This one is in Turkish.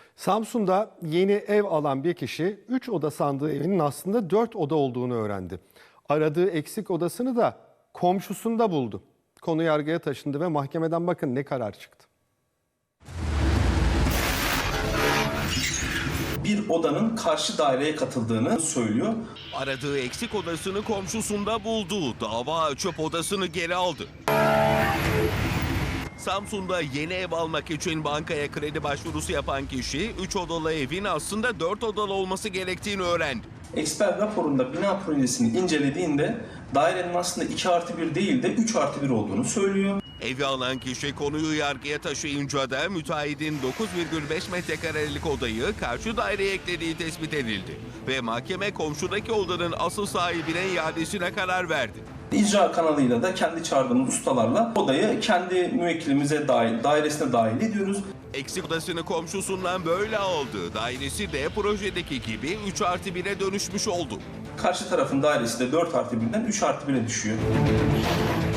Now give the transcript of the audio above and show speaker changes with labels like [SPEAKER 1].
[SPEAKER 1] Samsun'da yeni ev alan bir kişi 3 oda sandığı evinin aslında 4 oda olduğunu öğrendi. Aradığı eksik odasını da komşusunda buldu. Konu yargıya taşındı ve mahkemeden bakın ne karar çıktı.
[SPEAKER 2] Bir odanın karşı daireye katıldığını söylüyor.
[SPEAKER 3] Aradığı eksik odasını komşusunda buldu. Dava açıp odasını geri aldı. Samsun'da yeni ev almak için bankaya kredi başvurusu yapan kişi 3 odalı evin aslında 4 odalı olması gerektiğini öğrendi.
[SPEAKER 2] Eksper raporunda bina projesini incelediğinde dairenin aslında 2+1 değil de 3+1 olduğunu söylüyor.
[SPEAKER 3] Evi alan kişi konuyu yargıya taşıyınca da müteahhidin 9,5 metrekarelik odayı karşı daireye eklediği tespit edildi. Ve mahkeme komşudaki odanın asıl sahibine iadesine karar verdi.
[SPEAKER 2] İcra kanalıyla da kendi çağırdığımız ustalarla odayı kendi müvekkilimize dairesine dahil ediyoruz.
[SPEAKER 3] Eksik odasını komşusundan böyle aldı. Dairesi de projedeki gibi 3+1'e dönüşmüş oldu.
[SPEAKER 2] Karşı tarafın dairesi de 4+1'den 3+1'e düşüyor.